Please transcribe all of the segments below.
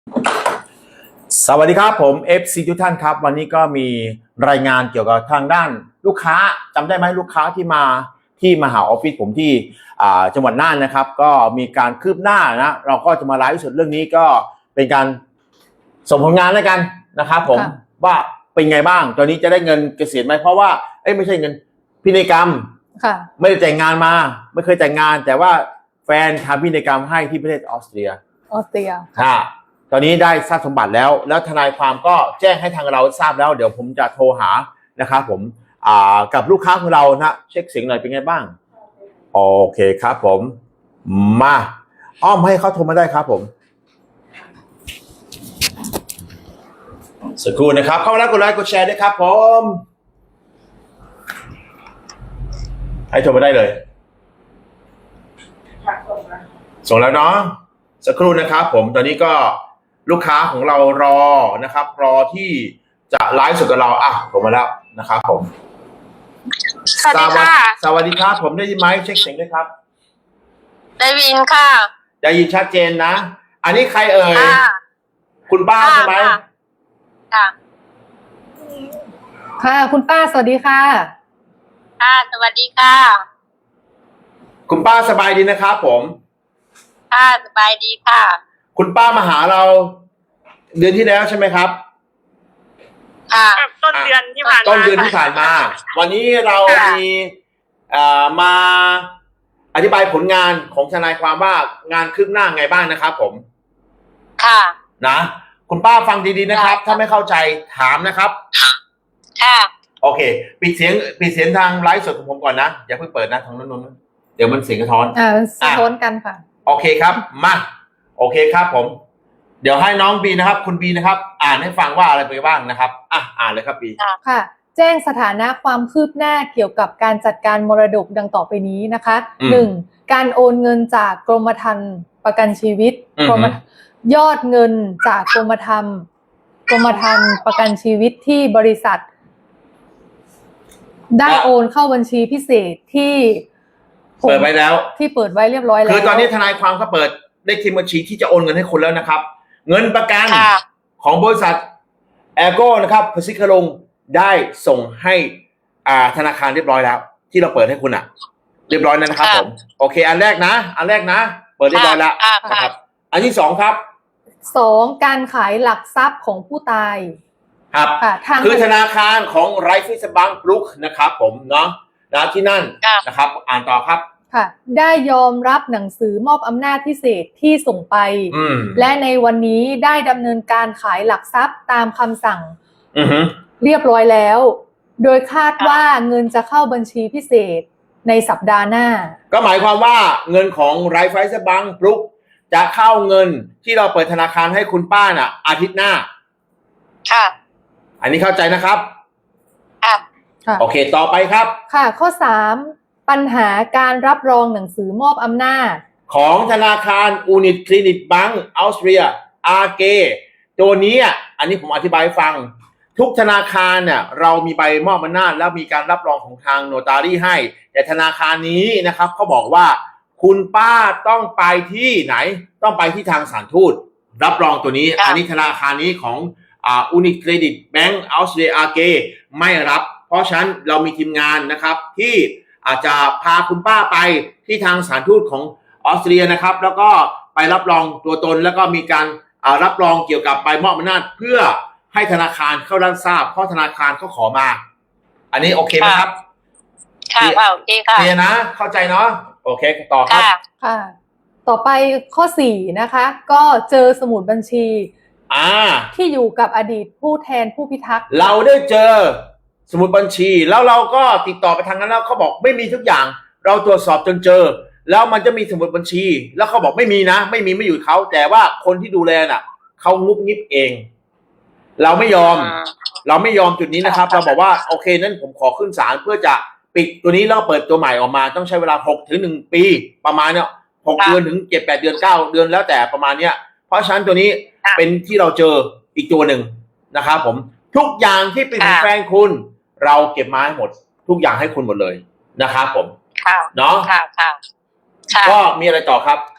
สวัสดีครับผม FC ทุกท่านครับวันนี้ก็มีรายงานเกี่ยวกับทางด้านลูกค้าจำได้ไหมลูกค้าที่มาหาออฟฟิศผมที่จังหวัดน่านนะครับก็มีการคืบหน้านะเราก็จะมาไลฟ์สดเรื่องนี้ก็เป็นการส่งผลงานแล้วกันนะครับผมว่าเป็นไงบ้างตอนนี้จะได้เงินเกษียณไหมเพราะว่าไม่ใช่เงินพินัยกรรมไม่ได้แต่งงานมาไม่เคยแต่งงานแต่ว่าแฟนทำพินัยกรรมให้ที่ประเทศออสเตรียค่ะตอนนี้ได้ทรัพย์สมบัติแล้วทนายความก็แจ้งให้ทางเราทราบแล้วเดี๋ยวผมจะโทรหานะครับผมกับลูกค้าของเรานะเช็คเสียงหน่อยเป็นไงบ้างโอเคครับผมมาอ้อมให้เขาโทรมาได้ครับผมสักครู่นะครับเข้ามาแล้วกดไลค์กดแชร์ด้วยครับผมให้โทรมาได้เลยส่งแล้วเนาะสักครู่นะครับผมตอนนี้ก็ลูกค้าของเรารอนะครับรอที่จะไลฟ์สดกับเราผมมาแล้วนะครับผมสวัสดีค่ะสวัสดีครับผมได้ยินไหมเช็คเสียงด้วยครับได้ยินค่ะได้ยินชัดเจนนะอันนี้ใครเอ่ยคุณป้าใช่ไหมค่ะคุณป้าสวัสดีค่ะค่ะสวัสดีค่ะคุณป้าสบายดีนะครับผมค่ะสบายดีค่ะคุณป้ามาหาเราเดือนที่แล้วใช่ไหมครับค่ะต้นเดือนที่ผ่านมาวันนี้เรามีมาอธิบายผลงานของทนายความว่างานคืบหน้าไงบ้างนะครับผมค่ะนะคุณป้าฟังดีๆนะครับถ้าไม่เข้าใจถามนะครับค่ะโอเคปิดเสียงทางไลฟ์สดของผมก่อนนะอย่าเพิ่งเปิดนะทางนู้นเดี๋ยวมันเสียงกระท้อนสะท้อนกันค่ะโอเคครับมาโอเคครับผมเดี๋ยวให้น้องบีนะครับคุณบีนะครับอ่านให้ฟังว่าอะไรไปบ้างนะครับอ่านเลยครับบีค่ะแจ้งสถานะความคืบหน้าเกี่ยวกับการจัดการมรดกดังต่อไปนี้นะคะ1การโอนเงินจากกรมธรรม์ประกันชีวิตยอดเงินจากกรมธรรม์ประกันชีวิตที่บริษัทได้โอนเข้าบัญชีพิเศษที่เปิดไว้แล้วที่เปิดไว้เรียบร้อยแล้วคือตอนนี้ทนายความเขาเปิดเลขที่บัญชีที่จะโอนเงินให้คุณแล้วนะครับเงินประกันของบริษัทแอร์โก้นะครับพสิคลงได้ส่งให้ธนาคารเรียบร้อยแล้วที่เราเปิดให้คุณเรียบร้อยแล้วนะครับผมโอเคอันแรกนะเปิดเรียบร้อยแล้วนะครับอันที่2ครับ 2การขายหลักทรัพย์ของผู้ตายครับคือธนาคารของไรฟิสบังบรุกนะครับผมเนาะที่นั่นนะครับอ่านต่อครับค่ะได้ยอมรับหนังสือมอบอำนาจพิเศษที่ส่งไปและในวันนี้ได้ดำเนินการขายหลักทรัพย์ตามคำสั่งเรียบร้อยแล้วโดยคาดว่าเงินจะเข้าบัญชีพิเศษในสัปดาห์หน้าก็หมายความว่าเงินของไรฟิสบังบรุกจะเข้าเงินที่เราเปิดธนาคารให้คุณป้าอาทิตย์หน้าค่ะอันนี้เข้าใจนะครับค่ะโอเคต่อไปครับค่ะข้อ3ปัญหาการรับรองหนังสือมอบอำนาจของธนาคารอูนิตคลินิกบังออสเตรียAGตัวนี้อันนี้ผมอธิบายฟังทุกธนาคารเรามีใบมอบอำนาจแล้วมีการรับรองของทางโนตารี่ให้แต่ธนาคารนี้นะครับเขาบอกว่าคุณป้าต้องไปที่ไหนต้องไปที่ทางสถานทูตรับรองตัวนี้อันนี้ธนาคารนี้ของอูนิตเครดิตแบงก์ออสเตรียAGไม่รับเพราะฉะนั้นเรามีทีมงานนะครับที่อาจจะพาคุณป้าไปที่ทางสถานทูตของออสเตรียนะครับแล้วก็ไปรับรองตัวตนแล้วก็มีการรับรองเกี่ยวกับใบมอบอำนาจเพื่อให้ธนาคารเข้ารับทราบเพราะธนาคารเขาขอมาอันนี้โอเคไหมครับค่ะโอเคค่ะเคลียร์นะเข้าใจเนาะโอเคต่อครับค่ะต่อไปข้อ4นะคะก็เจอสมุดบัญชีที่อยู่กับอดีตผู้แทนผู้พิทักษ์เราได้เจอสมุดบัญชีแล้วเราก็ติดต่อไปทางนั้นแล้วเขาบอกไม่มีทุกอย่างเราตรวจสอบจนเจอแล้วมันจะมีสมุดบัญชีแล้วเขาบอกไม่มีนะไม่อยู่เขาแต่ว่าคนที่ดูแลเขางุบงิบเองเราไม่ยอมจุดนี้นะครับเราบอกว่าโอเคนั้นผมขอขึ้นศาลเพื่อจะปิดตัวนี้แล้วเปิดตัวใหม่ออกมาต้องใช้เวลา6 ถึง 1 ปีประมาณ6 เดือนถึง7-8 เดือน9 เดือนแล้วแต่ประมาณเพราะฉะนั้นตัวนี้เป็นที่เราเจออีกตัวหนึ่งนะครับผมทุกอย่างที่เป็นของแฟนคุณเราเก็บมาให้หมดทุกอย่างให้คุณหมดเลยนะครับผมเนาะก็มีอะไรต่อครับค่ะ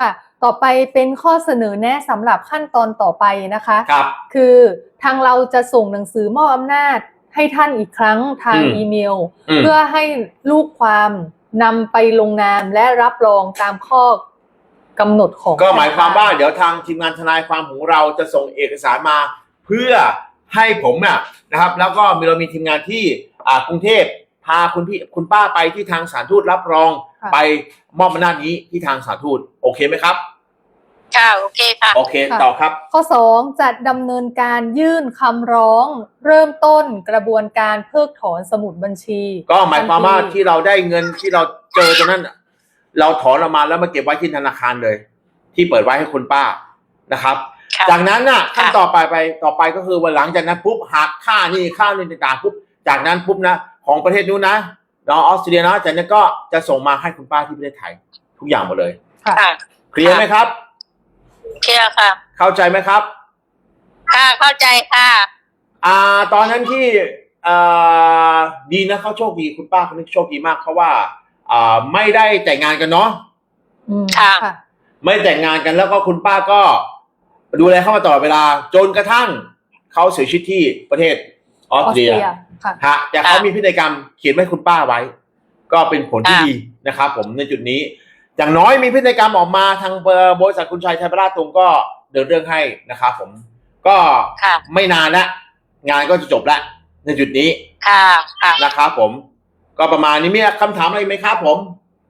ต่อไปเป็นข้อเสนอแนะสำหรับขั้นตอนต่อไปนะคะครับคือทางเราจะส่งหนังสือมอบอำนาจให้ท่านอีกครั้งทางอีเมล เพื่อให้ลูกความนำไปลงนามและรับรองตามข้อกำหนดของก็หมายความว่าเดี๋ยวทางทีมงานทนายความของเราจะส่งเอกสารมาเพื่อให้ผมเนี่ยนะครับ แล้วก็เรามีทีมงานที่กรุงเทพพาคุณป้าไปที่ทางสถานทูตรับรองไปมอบอำนาจนี้ที่ทางสถานทูตโอเคไหมครับค่ะโอเคค่ะโอเคต่อครับข้อ2จัดดำเนินการยื่นคำร้องเริ่มต้นกระบวนการเพิกถอนสมุดบัญชีก็หมายความว่าที่เราได้เงินที่เราเจอตรงนั้นเราถอนออกมาแล้วมาเก็บไว้ที่ธนาคารเลย ที่เปิดไว้ให้คุณป้านะครับ จากนั้นน่ะขั้นต่อไปก็คือวันหลังจากนั้นปุ๊บหักค่านี่ต่างๆปุ๊บจากนั้นปุ๊บนะของประเทศนู้นนะออสเตรเลียนะจากนั้นก็จะส่งมาให้คุณป้าที่ประเทศไทยทุกอย่างหมดเลยเคลียร์ไหมครับเคลียร์ค่ะเข้าใจไหมครับค่ะเข้าใจค่ะตอนนั้นที่ดีนะเขาโชคดีคุณป้าคนนี้โชคดีมากเพราะว่าไม่ได้แต่งงานกันเนาะค่ะไม่แต่งงานกันแล้วก็คุณป้าก็ดูแลเข้ามาตลอดเวลาจนกระทั่งเขาเสียชีวิตที่ประเทศออสเตรียฮะแต่เขามีพินัยกรรมเขียนไว้คุณป้าไว้ก็เป็นผลที่ดีนะครับผมในจุดนี้อย่างน้อยมีพินัยกรรมออกมาทางบริษัทคุณชัยไทยประราชตรงก็เดินเรื่องให้นะครับผมก็ไม่นานละงานก็จะจบละในจุดนี้นะครับผมก็ประมาณนี้มีคำถามอะไรไหมครับผม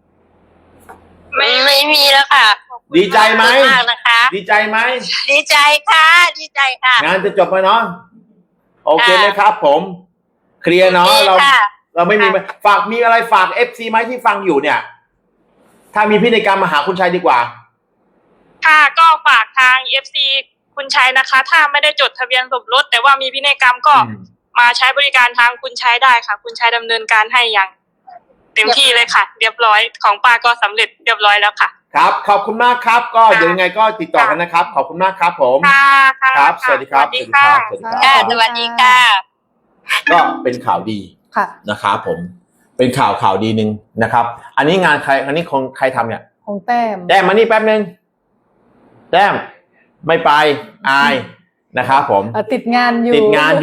ไม่มีแล้วค่ะดีใจไหมดีใจไหมดีใจค่ะดีใจค่ะงานจะจบไหมเนาะโอเคไหมครับผมเคลียร์เนาะเราไม่มีมีอะไรฝาก FC ไหมที่ฟังอยู่เนี่ยถ้ามีพินัยกรรมมาหาคุณชัยดีกว่าค่ะก็ฝากทาง FC คุณชัยนะคะถ้าไม่ได้จดทะเบียนสมรสแต่ว่ามีพินัยกรรมก็มาใช้บริการทางคุณชัยได้ค่ะคุณชัยดำเนินการให้อย่างเต็มที่เลยค่ะเรียบร้อยของป้าก็สำเร็จเรียบร้อยแล้วค่ะครับขอบคุณมากครับก็เดี๋ยวยังไงก็ติดต่อกันนะครับขอบคุณมากครับผมครับสวัสดีครับสวัสดีค่ะสวัสดีค่ะก็เป็นข่าวดีนะครับผมเป็นข่าวดีนึงนะครับอันนี้งานใครอันนี้ของใครทำเนี่ยของแต้มมานี่แป๊บนึงแต้มไม่ไปอายนะครับผมติดงานอยู่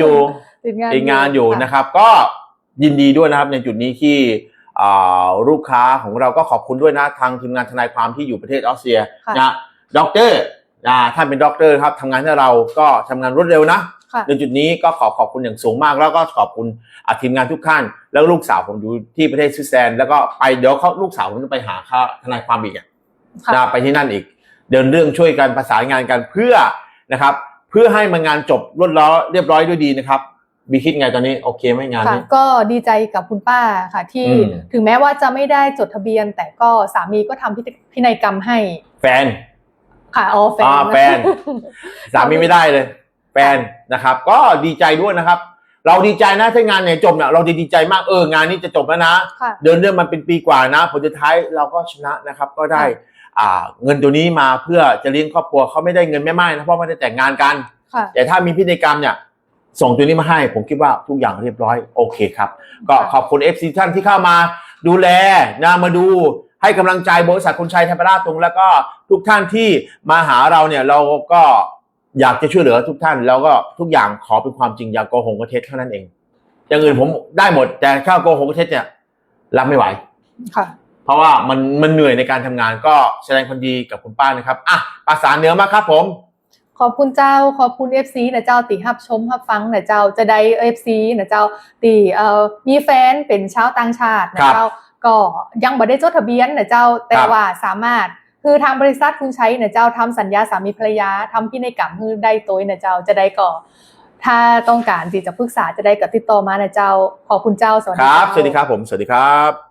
นะครับก็ยินดีด้วยนะครับในจุดนี้ที่ลูกค้าของเราก็ขอบคุณด้วยนะทางทีมงานทนายความที่อยู่ประเทศออสเตรียนะด็อกเตอร์ท่านเป็นด็อกเตอร์ครับทำงานให้เราก็ทำงานรวดเร็วนะในจุดนี้ก็ขอบคุณอย่างสูงมากแล้วก็ขอบคุณทีมงานทุกท่านแล้วลูกสาวผมอยู่ที่ประเทศสวิตเซอร์แลนด์แล้วก็ไปเดี๋ยวลูกสาวผมจะไปหาทนายความอีกไปที่นั่นอีกเดินเรื่องช่วยกันประสานงานกันเพื่อนะครับเพื่อให้มันงานจบรวดเรียบร้อยด้วยดีนะครับบีคิดไงตอนนี้โอเคไหมงานนี้ก็ดีใจกับคุณป้าค่ะที่ถึงแม้ว่าจะไม่ได้จดทะเบียนแต่ก็สามีก็ทำพินัยกรรมให้แฟนค่ะแฟนสามีไม่ได้เลยแฟนนะครับก็ดีใจด้วยนะครับเราดีใจนะถ้างานเนี่ยจบเนี่ยเราจะดีใจมากงานนี้จะจบแล้วนะเดินเรื่องมันเป็นปีกว่านะผลสุดท้ายเราก็ชนะนะครับก็ได้เงินตัวนี้มาเพื่อจะเลี้ยงครอบครัวเขาไม่ได้เงินแม่ไม้นะเพราะไม่ได้แต่งงานกันแต่ถ้ามีพินัยกรรมเนี่ยส่งตัวนี้มาให้ผมคิดว่าทุกอย่างเรียบร้อยโอเคครับก็ขอบคุณ FC ท่านที่เข้ามาดูแลนะมาดูให้กำลังใจบริษัทคุณชัยไทยประราชตรงแล้วก็ทุกท่านที่มาหาเราเนี่ยเราก็อยากจะช่วยเหลือทุกท่านแล้วก็ทุกอย่างขอเป็นความจริงอย่าโกหกกระเท็จเท่านั้นเองอย่างอื่นผมได้หมดแต่ถ้าโกหกกระเท็จเนี่ยรับไม่ไหวเพราะว่ามันเหนื่อยในการทำงานก็แสดงความดีกับคุณป้านะครับประสานเหนือมาครับผมขอบคุณเจ้าขอบคุณ FC นะเจ้าติฮับชมฮับฟังนะเจ้าจะได้ FC นะเจ้าติมีแฟนเป็นชาวต่างชาตินะเจ้าก็ยังบ่ได้จดทะเบียนนะเจ้าแต่ว่าสามารถคือทางบริษัทคุณชัยนะเจ้าทำสัญญาสามีภรรยาทำพินัยกรรมคือได้ตัวนะเจ้าจะได้ก็ถ้าต้องการที่จะปรึกษาจะได้ก็ติดต่อมานะเจ้าขอบคุณเจ้าสวัสดีครับสวัสดีครับผมสวัสดีครับ